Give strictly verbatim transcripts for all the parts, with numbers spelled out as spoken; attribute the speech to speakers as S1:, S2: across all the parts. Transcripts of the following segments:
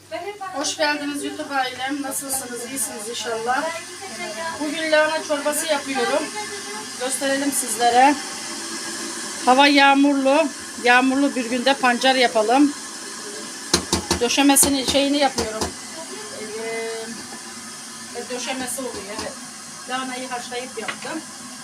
S1: Hoş geldiniz YouTube ailem. Nasılsınız? İyisiniz inşallah. Bugün lahana çorbası yapıyorum. Gösterelim sizlere. Hava yağmurlu. Yağmurlu bir günde pancar yapalım. Döşemesini şeyini yapıyorum. Ee, döşemesi oluyor. Evet. Lahanayı haşlayıp yaptım.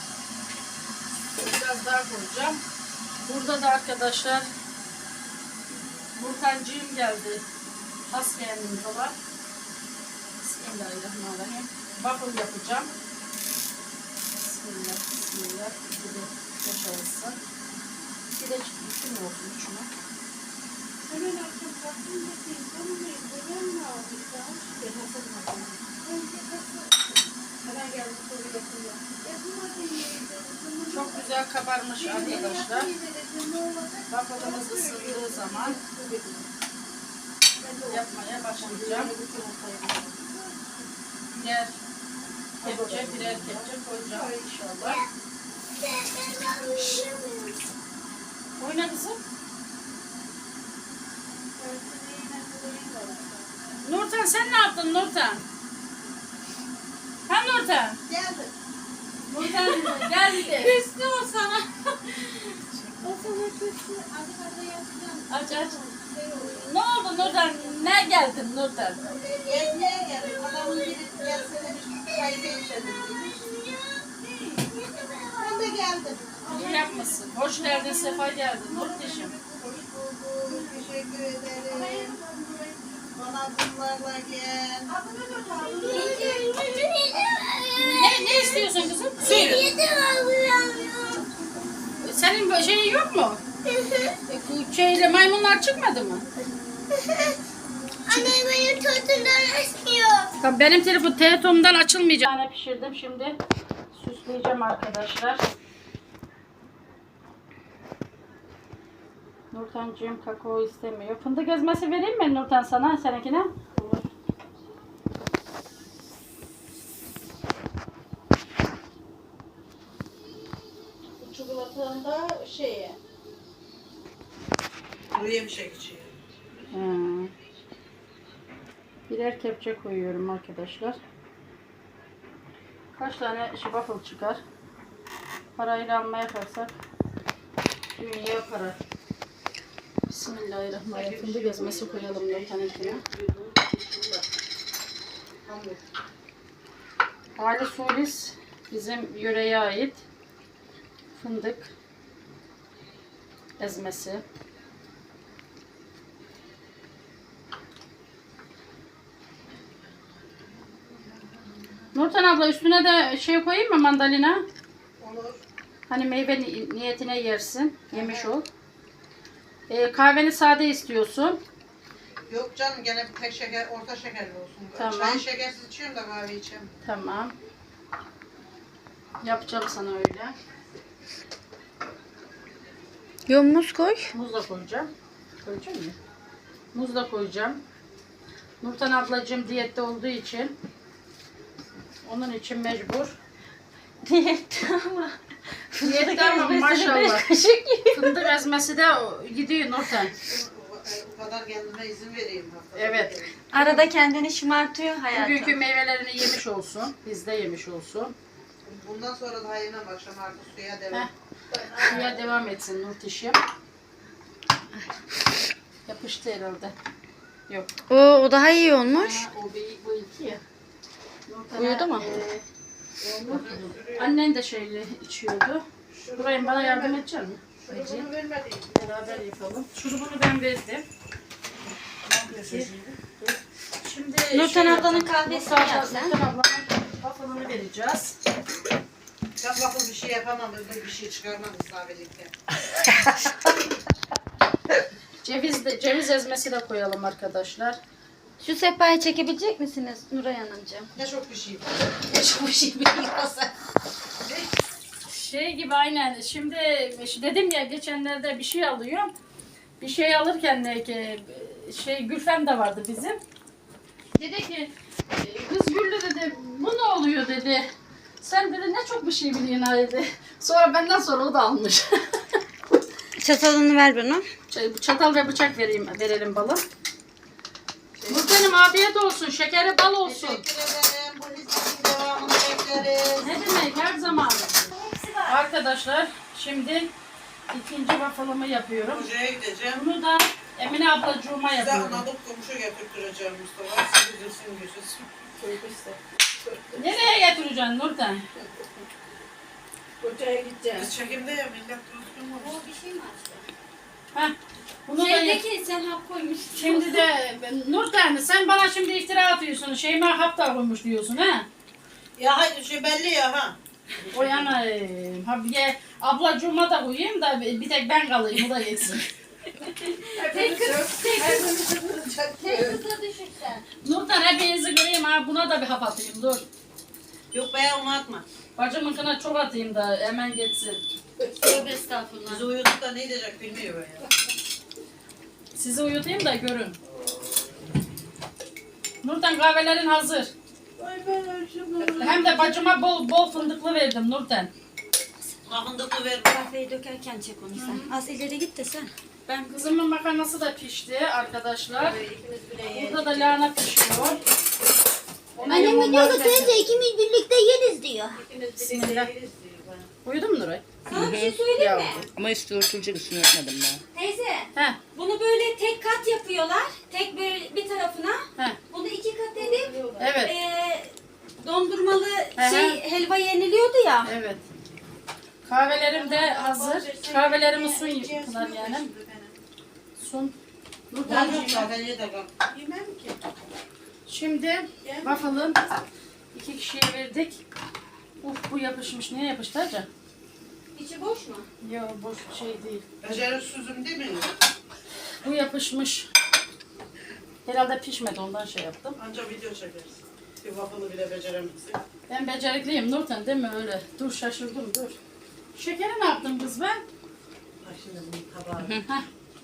S1: Biraz daha koyacağım. Burada da arkadaşlar Burkancığım geldi. Has beğendim falan. Bismillahirrahmanirrahim. Waffle yapacağım. Bismillah, bismillah. Bir de yaşarısın. Bir de üç mü olsun, üç mü? Hemen akşam kalktım bakayım. Konumuyum. Buradan mı aldık daha? Ben Hasan aldım. Hemen geldim. Soru yapıyor. Çok güzel kabarmış arkadaşlar. Waffle'ımız ısındığı zaman yapmaya başlayacağım. Birer kepçe, birer kepçe koyacağım inşallah. Oyna kızım. Nurten sen ne yaptın Nurten? Ha Nurten?
S2: Geldim.
S1: Nurten geldi.
S2: Küstü o sana. O sana küstü.
S1: Aç aç. Ne oldu Nurten? Ne geldin Nurten?
S2: Gezmeye geldim. Adamın biri gelsene bir çayda içelim. Ben de geldim.
S1: İyi yapmışsın. Hoş geldin, sefa geldin Nurteşim.
S2: Hoş bulduk. Teşekkür ederim. Bana bunlarla gel.
S1: Ne, ne istiyorsun kızım? Söyle. Senin şeyin yok mu? E, Şeyle maymunlar çıkmadı mı?
S3: Anne benim tortumdan açmıyor.
S1: Tamam, benim telefon telefonumdan açılmayacak. Bir tane pişirdim, şimdi süsleyeceğim arkadaşlar. Nurtencığım kakao istemiyor. Fındık ezmesi vereyim mi Nurten sana, seninkine? Olur.
S2: Bu çikolatanın da şeye. Kuru yemişek içiyor.
S1: Hmm. Birer kepçe koyuyorum arkadaşlar. Kaç tane waffle çıkar? Parayla almaya kalksak dünya para. Bismillahirrahmanirrahim. Fındık ezmesi koyalım Nurten'inkine. Ali Sulis bizim yöreye ait fındık ezmesi. Nurten abla üstüne de şey koyayım mı, mandalina?
S2: Olur.
S1: Hani meyve ni- niyetine yersin. Yemiş ol. Ee, kahveni sade istiyorsun.
S2: Yok canım gene bir tek şeker, orta şekerli olsun.
S1: Tamam.
S2: Çay şekersiz içiyorum da kahve içiyorum.
S1: Tamam. Yapacağım sana öyle.
S3: Yo muz koy.
S1: Muz da koyacağım. Koyacağım mı? Muz da koyacağım. Nurten ablacığım diyette olduğu için onun için mecbur.
S3: Diyette ama.
S1: Diyette ama maşallah. Fındık ezmesi de gidiyor Nurten.
S2: O kadar kendime izin vereyim. haftada
S1: Evet.
S2: bir kere.
S3: Arada kendini şımartıyor hayatım.
S1: Bugünkü meyvelerini yemiş olsun. Biz de yemiş olsun.
S2: Bundan sonra da yemem akşam artık suya devam.
S1: Heh. Suya devam etsin Nurtişim. Yapıştı herhalde. Yok.
S3: Oo, o daha iyi olmuş.
S1: Ha, o bir, bu iki ya. Nurten'e,
S3: Uyudu mu?
S1: e, annen de şeyle içiyordu. Burayı bana yardım edecek misin?
S2: Bunu vermediyim.
S1: Beraber yapalım. Şurubunu ben verdim. Şimdi
S3: Nurten
S1: şey
S3: ablanın
S1: yapacağım.
S3: kahvesini
S1: Nurten
S3: yap sen.
S1: Nurten ablanın waffle'ını vereceğiz.
S2: Ben waffle bir şey yapamam. Öbür bir şey çıkarmam isabelikle.
S1: Ceviz de, ceviz ezmesi de koyalım arkadaşlar.
S3: Şu sehpayı çekebilecek misiniz Nuray Hanımcığım?
S2: Ne çok bir şey var. Ne çok bir şey biliyorsan.
S1: Şey gibi aynen. Şimdi dedim ya, geçenlerde bir şey alıyorum. Bir şey alırken de ki şey Gülfem de vardı bizim. Dedi ki kız Güllü dedi, bu ne oluyor dedi. Sen dedi ne çok bir şey biliyorsun ha dedi. Sonra benden sonra o da almış.
S3: Çatalını ver bana.
S1: Çatal ve bıçak vereyim, verelim balım. Nurten Kızım afiyet olsun. Şekeri bal olsun.
S2: Teşekkür ederim. Bu hizmetin devamını bekleriz.
S1: Ne demek her zaman. Arkadaşlar şimdi ikinci waffle'ımı yapıyorum.
S2: Hocaya gideceğim.
S1: Bunu da Emine ablacığıma
S2: Size
S1: yapıyorum.
S2: anladık komşu getirttireceğim Mustafa. Siz bilirsin görürsün.
S1: Nereye getireceksin Nurten?
S4: Hocaya gideceğim.
S2: Biz çekimde ya millet düzgün mü?
S3: O bir şey mi açtı?
S1: Heh. Bunu da yap-
S3: Şeydeki sen hap koymuşsun.
S1: Şimdi de Nurten sen bana şimdi iftira atıyorsun. Şeyma hap da koymuş diyorsun ha?
S2: Ya hayır şey belli ya ha.
S1: O yana ha bir de ablacığıma da koyayım da bir tek ben kalayım o da yetsin.
S3: Tek kız, tek kız,
S2: Hepimizi
S3: tek kıza düşüksen.
S1: Nurten hepinizi kırayım ha buna da bir hap atayım dur.
S2: Yok be onu atma.
S1: Bacımınkına çok atayım da hemen geçsin.
S3: Tövbe estağfurullah.
S2: Bizi uyuduk da ne diyecek bilmiyor ya.
S1: Sizi uyutayım da görün. Nurten kahvelerin hazır.
S4: Ay ben acımım.
S1: Hem de bacıma bol bol fındıklı verdim Nurten.
S2: Ahındıklı ver.
S3: Kahveyi dökerken çek onu sen. Az ileri git de sen.
S1: Ben kızımın makarnası da pişti arkadaşlar.
S2: İkimiz bile
S1: Burada da lahana pişiyor.
S5: Annem diyor ki teyze ikimiz birlikte yeriz diyor.
S2: İkimiz
S1: Bismillah.
S2: birlikte yeriz diyor bana.
S1: Uyudun mu Nuray?
S3: Sana bir şey söyleyeyim mi?
S6: Ama üstü örtülecek üstünü örtmedim ben.
S3: Teyze,
S1: He
S3: bunu böyle tek kat yapıyorlar. Tek bir, bir tarafına.
S1: he.
S3: Bunu iki kat edip
S1: Evet.
S3: eee dondurmalı
S1: Hı hı.
S3: şey helva yeniliyordu ya.
S1: Evet. Kahvelerim de hazır. Kahvelerimi sun yıktılar yani. Sun.
S2: Ben
S1: Nurten.
S2: yok zaten yeter bak.
S4: Yemem ki.
S1: Şimdi waffle'ın iki kişiye verdik. Uf bu yapışmış. Niye yapıştı acaba?
S3: İçi boş mu?
S1: Yok boş şey değil.
S2: Beceriksizim değil mi?
S1: Bu yapışmış. Herhalde pişmedi ondan şey yaptım.
S2: Anca video çekeriz. Bir waffle'ı bile beceremezsin.
S1: Ben becerikliyim Nurten değil mi öyle? Dur şaşırdım dur. Şekeri ne yaptın kız ben?
S2: Bak şimdi bunun tabağı.
S1: Heh.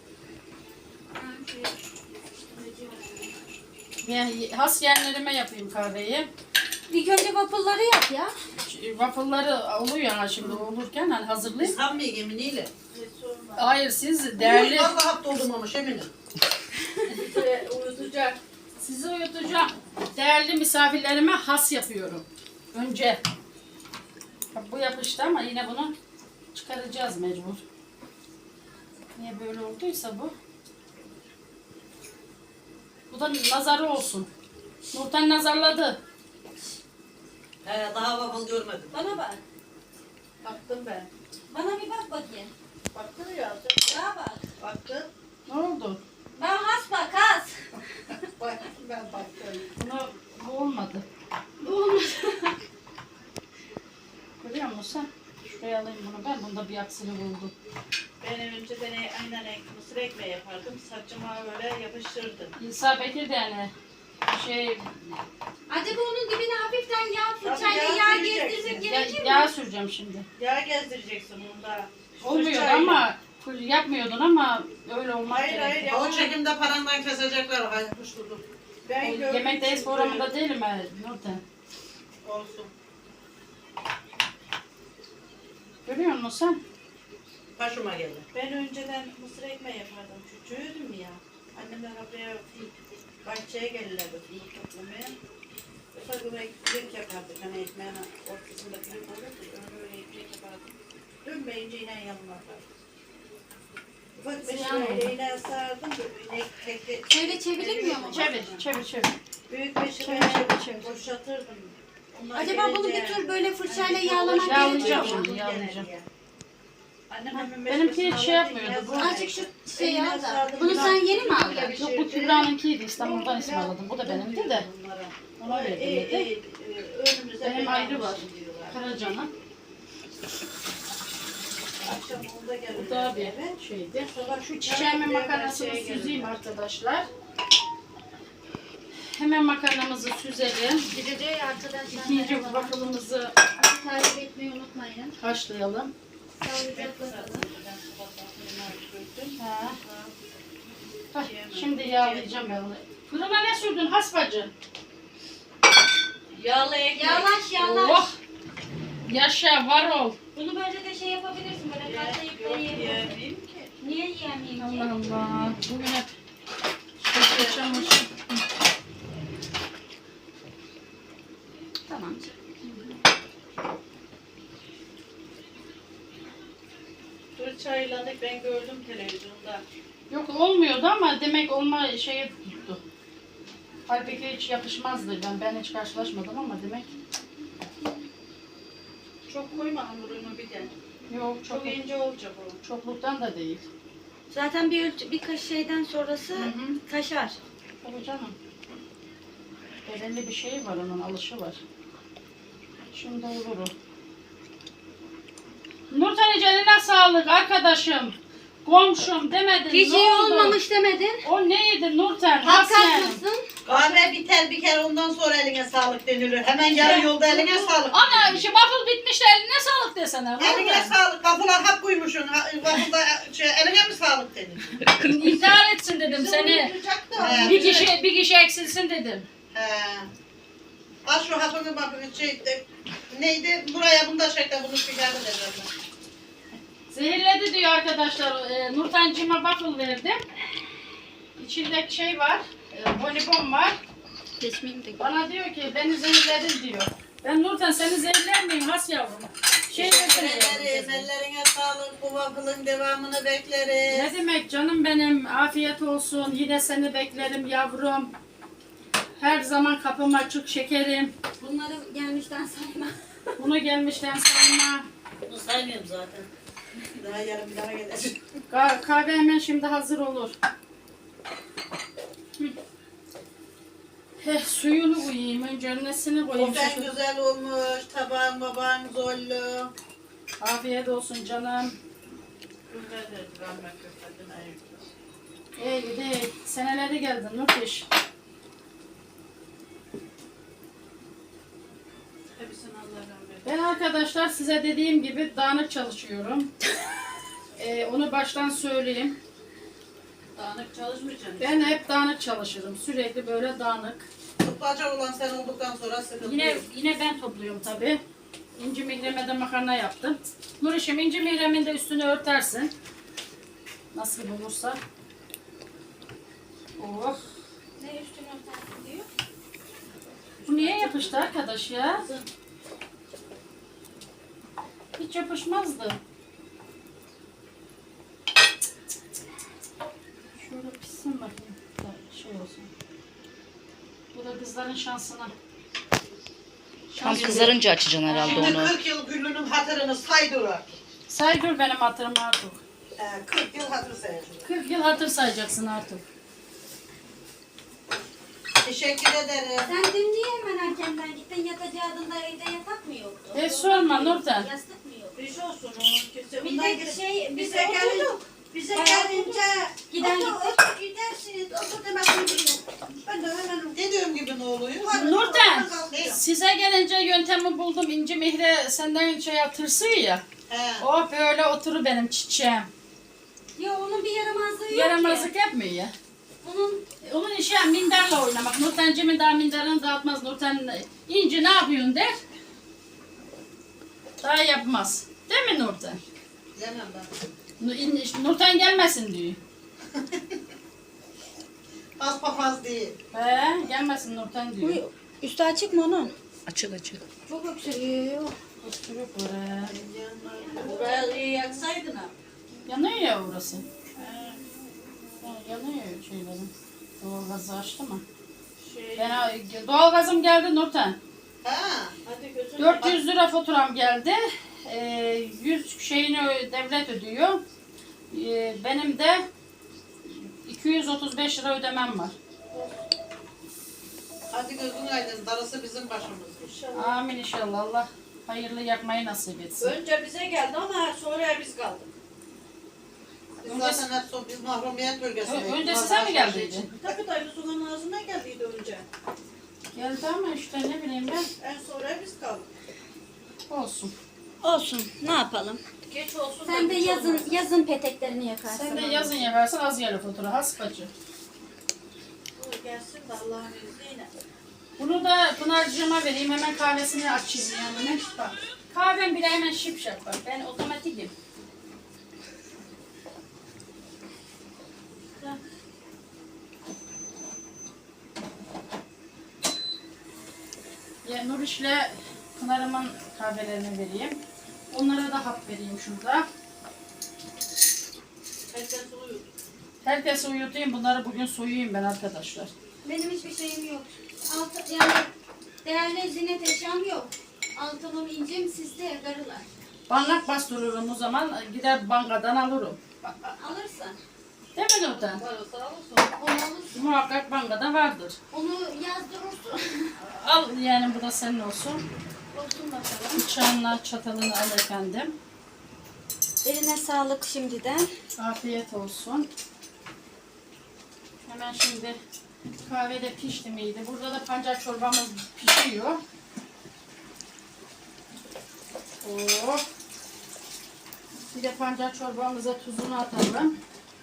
S1: Ben has yerlerime yapayım kahveyi.
S3: İlk önce waffle'ları yap ya.
S1: Waffle'ları oluyor ama şimdi olurken hani hazırlayayım.
S2: Sanmıyor geminiyle.
S1: Hayır siz
S2: Değerli.
S1: değerli
S2: Vallahi hap doldurmamış eminim.
S1: uyutacak. Sizi uyutacağım. Değerli misafirlerime has yapıyorum. Önce. Bak bu yapıştı ama yine bunu çıkaracağız mecbur. Niye böyle olduysa bu. Bu da nazarı olsun. Nurten nazarladı.
S2: He, daha waffle görmedim.
S3: Bana bak.
S4: Baktım ben.
S3: Bana bir bak bakayım.
S4: Baktım ya.
S3: Bana bak.
S4: Baktım.
S1: Ne oldu?
S3: Ben has bak has.
S4: Baktım ben baktım.
S1: Buna, bu olmadı.
S3: Bu olmadı.
S1: Görüyor musun sen? Şuraya alayım bunu ben. Bunda bir aksini buldum.
S4: Ben önceden aynen mısır ekmeği yapardım. Saçıma böyle yapıştırdım.
S1: İsa Bekir de yani şey
S3: Acaba onun dibine hafiften yağ
S4: Tabii
S3: fırçayla
S4: yağ
S3: yağ
S4: süreceksin.
S3: gezdirsek
S1: ya,
S3: gerekir mi?
S1: yağ süreceğim şimdi.
S4: Yağ gezdireceksin onda.
S1: Olmuyor
S4: Fırçayla.
S1: ama full yapmıyordun ama öyle olmak
S4: Hayır, hayır,
S1: gerekiyor.
S4: ya.
S2: O çekimde parandan kesecekler. Hayır kuş durdum.
S4: Ben gördüm.
S1: Yemekteyiz
S4: çünkü.
S1: programında değilim ben Nurten.
S2: Olsun.
S1: Görüyor musun sen?
S2: Başıma geldi.
S4: Ben önceden mısır ekmeği yapardım. Çocuğuydum ya. Annemler buraya bahçeye gelirlerdi fındık toplamaya. Ufak ufak ekmek yapardık. Hani ekmeğin ortasında kırık olurdu. Öyle öyle ekmek yapardık. Dönmeyince yine yanlarlardı. Ufak bir
S1: Ziyan oldu.
S4: şöyle yine sardım. Böyle tek tek.
S3: Şöyle çevirilmiyor mu?
S1: Çevir, çevir, çevir.
S4: Büyük bir
S1: Çevir,
S4: şöyle
S1: çevir, çevir.
S4: boşaltırdım. Onlar
S3: Acaba bunu
S4: gelince-
S3: bir tür böyle fırçayla
S4: Hani
S3: yağlamak
S1: Yağlayacağım
S3: gerekiyor mu?
S1: şimdi, yağlayacağım.
S4: Annem
S1: Ha,
S4: hemen
S1: benimki
S4: meşresini
S1: hiç şey
S4: alırdı,
S1: yapmıyordu, bu-
S4: yine
S3: Azıcık şu
S4: sardı.
S3: şey
S4: Eline
S3: al da.
S4: sardım,
S3: Bunu
S4: biraz
S3: sen yeni mi aldın?
S4: pişirdi.
S1: Yok bu Kübra'nınkiydi İstanbul'dan isim aldım. Bu da benimdi de.
S4: Bunlara.
S1: Ona verdim
S4: İyi,
S1: dedi.
S4: iyi, iyi. Önümüze
S1: Benim
S4: bela
S1: ayrı var.
S4: olsun diyorlar.
S1: Karaca'nın.
S4: Akşam onda gelirler
S1: Bu da bir
S4: eve.
S1: şeydi.
S4: Sabah
S1: Şu
S4: bir
S1: çiçeğimin
S4: kahveye
S1: makarnasını
S4: bahçeye
S1: süzeyim
S4: gelirler.
S1: arkadaşlar. Hemen makarnamızı süzelim.
S3: Gideceği arkadaşlar.
S1: İkinci waffle'ımızı
S3: Takip etmeyi unutmayın.
S1: haşlayalım.
S3: Sağlıcakla
S4: Sardım,
S3: kalın.
S4: ben sabahtan fırına koydum.
S1: Ha. Hah, şimdi yağlayacağım ben onu. Fırına ne sürdün hasbacı?
S4: Yağlı ekmek.
S3: Yağlaş yağlaş.
S1: Oh! Yaşa var ol.
S3: Bunu böyle de şey yapabilirsin. Böyle katlayıp
S4: Yok
S3: da yiyebilirsin.
S4: yiyemeyeyim ki.
S3: Niye yiyemeyeyim ki?
S1: Allah Allah. Bugün hep şey yaşamışım.
S3: anca.
S4: Dur çayladık ben gördüm televizyonda.
S1: Yok olmuyordu ama demek olma şeyi tuttu. Halbuki hiç yapışmazdı. Ben, ben hiç karşılaşmadım ama demek.
S4: Çok koyma hamurunu bir de.
S1: Yok çok,
S4: Çok ince olacak o.
S1: çokluktan da değil.
S3: Zaten bir ölçü, birkaç şeyden sonrası
S1: Hı hı.
S3: taşar.
S1: Tabii canım. Belirli bir şey var, onun alışı var. Şimdi olur o. Nurten eline sağlık arkadaşım. Komşum demedin.
S3: Hiç
S1: ne
S3: iyi
S1: oldu?
S3: olmamış demedin.
S1: O neydi Nurten? Nasıl yani?
S3: Haklısın.
S2: Kahve biter bir kere ondan sonra eline sağlık denilir. Hemen yarı yolda eline sağlık.
S1: Ana şu waffle bitmiş de eline sağlık desene.
S2: Eline
S1: vallahi.
S2: sağlık. Kapılar hap koymuşsun. Ha- Waffle'da şey, eline mi sağlık denir?
S1: İntihar etsin dedim seni.
S2: He,
S1: Bir kişi bir kişi eksilsin dedim.
S2: He. Al şu hapını bakın şey de, neydi? Buraya bunu da çek de bunu çıkardı dedim.
S1: Zehirledi diyor arkadaşlar. E, Nurten'cime waffle verdim. İçindeki şey var. E, bonibon var.
S3: Geçmeyeyim de.
S1: Bana diyor ki beni zehirledin diyor. Ben Nurten seni zehirler miyim has yavrum? Şey
S2: Teşekkür
S1: desene
S2: ederiz.
S1: yavrum.
S2: Ellerine sağlık. Bu waffle'ın devamını bekleriz.
S1: Ne demek canım benim, afiyet olsun, yine seni beklerim yavrum. Her zaman kapım açık şekerim.
S3: Bunları gelmişten sayma.
S1: Bunu gelmişten sayma.
S2: Bunu saymıyorum zaten. Daha yarın bir daha gelecek.
S1: Ka- kahve hemen şimdi hazır olur. Hı. Heh, suyunu koyayım, önce nesini koyayım.
S2: Ofen
S1: Şu-
S2: güzel olmuş. Tabağın babağın zorlu.
S1: Afiyet olsun canım.
S4: Güzel de rahmet köftetin ayıklı.
S1: Ey gidi, senelerde geldin Nurteş.
S4: Hepsini Allah rahmet.
S1: Ben arkadaşlar size dediğim gibi dağınık çalışıyorum. Ee, onu baştan söyleyeyim.
S4: Dağınık çalışmayacaksın.
S1: Ben hep dağınık çalışırım. Sürekli böyle dağınık.
S2: Tutmaca olan sen olduktan sonra sıkıntı
S1: Yine
S2: yok.
S1: yine ben topluyorum tabi. İnci mihreme de makarna yaptım. Nurişim inci mihremin de üstünü örtersin. Nasıl bulursa. Oh.
S3: Ne üstüne örtersin diyor?
S1: Bu niye yapıştı arkadaş ya? Hiç yapışmazdı. Şöyle pişsin bakayım. Da şey olsun. Bu da kızların şansına.
S6: Tam kızarınca açacaksın herhalde
S2: Şimdi
S6: onu.
S2: kırk yıl Güllü'nün hatırını say dur.
S1: Say dur benim hatırım artık.
S2: Ee, kırk yıl hatır sayacağım.
S1: kırk yıl hatır sayacaksın artık.
S2: Teşekkür ederim.
S3: Sen dün niye hemen erkenden gittin? Yatacağında evde yatak mı yoktu?
S1: E sorma Nurten.
S3: Yastık mı yoktu?
S4: Bir şey olsun o. Kimse
S3: Bir
S4: bundan
S3: de
S4: gidip-
S3: şey, biz
S4: bize gelin.
S3: oturduk.
S4: Bize
S3: Bayağı
S4: gelince
S3: Giden
S4: otur,
S3: gitti.
S4: otur gidersiniz. Otur demek gibi. Ben de hemen
S2: Dediğim gibi ne oluyor?
S1: Nurten,
S2: Ne?
S1: size gelince yöntemi buldum. İnci Mihre senden şey tırsıyor ya.
S2: He.
S1: Oh böyle oturur benim çiçeğim.
S3: Ya onun bir yaramazlığı yok
S1: Yaramazlık
S3: ki.
S1: yapmıyor ya.
S3: Onun
S1: E, Onun işi ya minderle oynamak. Nurten'cimin daha minderini dağıtmaz. Nurten İnci ne yapıyorsun der. Daha yapmaz. Değil mi Nurten?
S2: Yemem ben.
S1: Nu- in- Nurten gelmesin diyor.
S2: Az papaz değil.
S1: He, gelmesin Nurten diyor.
S3: bu üstü açık mı onun?
S6: Açık açık.
S3: Çok öksürüyor.
S1: Öksürük var he.
S4: buraya iyi yaksaydın ha.
S1: Yanıyor ya orası. Ha, yanıyor şeylerin. Doğalgazı açtı mı?
S4: Şey,
S1: Ben doğalgazım geldi Nurten.
S2: Ha.
S4: hadi gözüm.
S1: dört yüz lira faturam geldi. Ee, yüz şeyini ö- devlet ödüyor. Ee, benim de iki yüz otuz beş lira ödemem var.
S2: Hadi gözün aydın. Darısı bizim başımız.
S4: İnşallah.
S1: Amin inşallah. Allah hayırlı yakmayı nasip etsin.
S4: Önce bize geldi ama sonra biz kaldık.
S2: Biz
S1: Önce-
S2: zaten hep son, biz mahrumiyet bölgesindeyiz.
S1: Ö- önce
S2: Vallahi
S1: size mi
S2: şey
S1: geldiydi?
S2: için.
S4: Tabii dayı suyun ağzına geldiydi önce.
S1: Geldi ama işte ne bileyim ben.
S4: En sonra biz kaldık.
S1: Olsun.
S3: Olsun. Ne yapalım?
S4: Geç olsun.
S3: Sen
S4: da
S3: de
S4: geç
S3: yazın
S4: olmaz.
S3: yazın peteklerini yakarsın.
S1: Sen de yazın yaparsan az yerli fatura. Hasbacı.
S4: Bu gelsin de Allah'ın izniyle.
S1: Bunu da Pınar'cığıma vereyim. Hemen kahvesini açayım yani. Bak. Kahvem bile hemen şipşak bak. Ben otomatikim. Ya Nur işle Pınar'ımın kahvelerini vereyim. Onlara da hap vereyim şurada.
S4: Herkes uyuyor.
S1: Herkesi uyutayım. Bunları bugün soyuyayım ben arkadaşlar.
S5: Benim hiçbir şeyim yok. Altı, yani değerli ziynet eşyam yok. Altınım, incim sizde karılar.
S1: Banlak bastırırım o zaman. Gider bankadan alırım.
S5: Alırsan.
S1: Değil mi Nurten?
S4: Varsa alırsın.
S5: Onu alırsın.
S1: Muhakkak bankada vardır.
S5: Onu yazdırırsın.
S1: Al yani bu da senin olsun.
S5: Olsun bakalım.
S1: Bıçağınla çatalını al efendim.
S3: Eline sağlık şimdiden.
S1: Afiyet olsun. Hemen şimdi kahve de pişti miydi? Burada da pancar çorbamız pişiyor. Oh. Bir de pancar çorbamıza tuzunu atalım.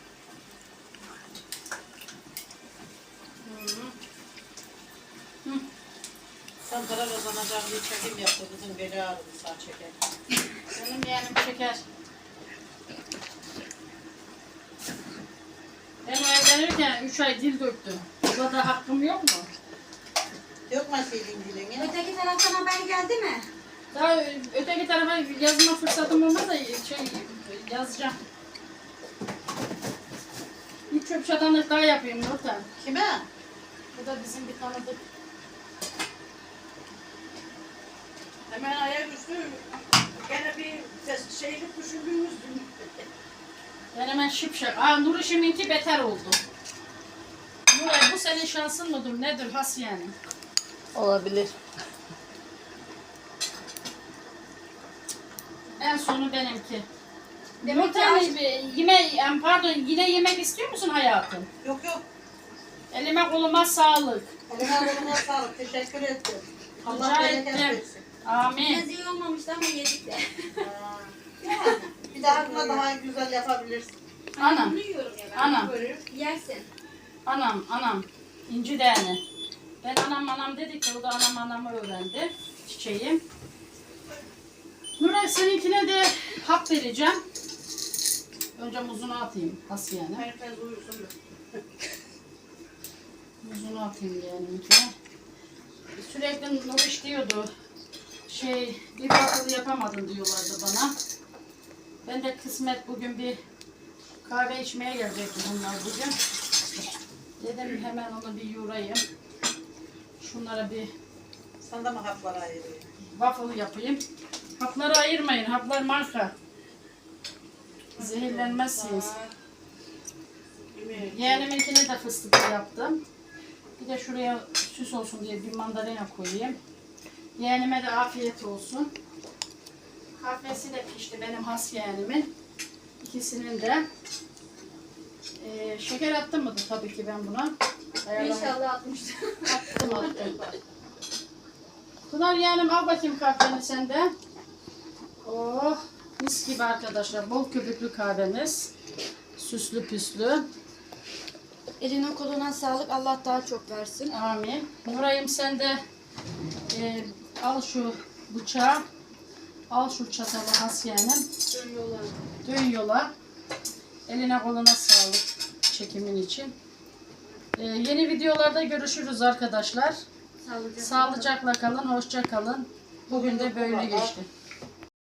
S1: Hı.
S2: Sen para kazanacağım diye çekim yaptı. Bizim beli ağrıdı sağ çeker.
S1: Benim yeğenim şeker. Ben evlenirken üç ay dil döktüm. Burada hakkım yok mu?
S2: Yok mu senin dilin ya?
S5: Öteki taraftan haber geldi mi?
S1: Daha öteki tarafa yazma fırsatım olmadı da şey yazacağım. Bir çöp çatanlık daha yapayım Nurten.
S2: Kime?
S1: Bu da bizim bir tanıdık.
S4: Hemen ayaküstü gene bir ses- şeylik düşündüğümüz gün.
S1: Ben hemen şıpşak. Aa Nur işiminki beter oldu. Nuray bu senin şansın mıdır nedir has yani?
S6: Olabilir.
S1: En sonu benimki.
S5: Demek ki
S1: Nurten
S5: aç-
S1: yeme, em, pardon yine yemek istiyor musun hayatım?
S2: Yok yok.
S1: Elime koluma sağlık.
S2: Eline koluna sağlık. Teşekkür ettim. Allah
S1: Rica
S2: bereket
S1: ettim.
S2: versin.
S1: Amin.
S5: Biraz iyi olmamıştı ama yedik de.
S2: Yani bir dahakine daha güzel yapabilirsin.
S1: Anam,
S5: Bunu yiyorum ya ben.
S1: anam,
S5: Yersin.
S1: anam, anam. İnci değerli. Ben anam anam dedik de o da anam anamı öğrendi. Çiçeğim. Nuray seninkine de hap vereceğim. Önce muzunu atayım. Has yani.
S4: Herkes uyusun da.
S1: Muzunu atayım yeğenimkine. Sürekli Nuriş diyordu. Şey, bir bakılı yapamadın diyorlardı bana. Ben de kısmet bugün bir kahve içmeye gelecektim bunlar bugün. Dedim hemen onu bir yoğurayım. Şunlara bir
S2: Sen de mi haplara ayırıyorsun?
S1: waffle yapayım. Hapları ayırmayın. Haplar marka. Zehirlenmezsiniz.
S4: Yemeği.
S1: Yeğeniminkine de fıstıklı yaptım. Bir de şuraya süs olsun diye bir mandalina koyayım. Yeğenime de afiyet olsun. Kahvesi de pişti benim has yeğenimin. İkisinin de. Ee, şeker attım mı tabii ki ben buna. Ayarlamayı-
S5: İnşallah atmıştır.
S1: Attım attım. Pınar yeğenim al bakayım kahveni sen de. Oh mis gibi arkadaşlar. Bol köpüklü kahvemiz. Süslü püslü.
S3: Eline koluna sağlık. Allah daha çok versin.
S1: Amin. Nuray'ım sen de e, al şu bıçağı. Al şu çatalı has yeğenim.
S5: Dön yola.
S1: Dön yola. Eline koluna sağlık çekimin için. E, yeni videolarda görüşürüz arkadaşlar.
S5: Sağlıcakla.
S1: Sağlıcakla kalın, hoşça kalın. Bugün de böyle geçti.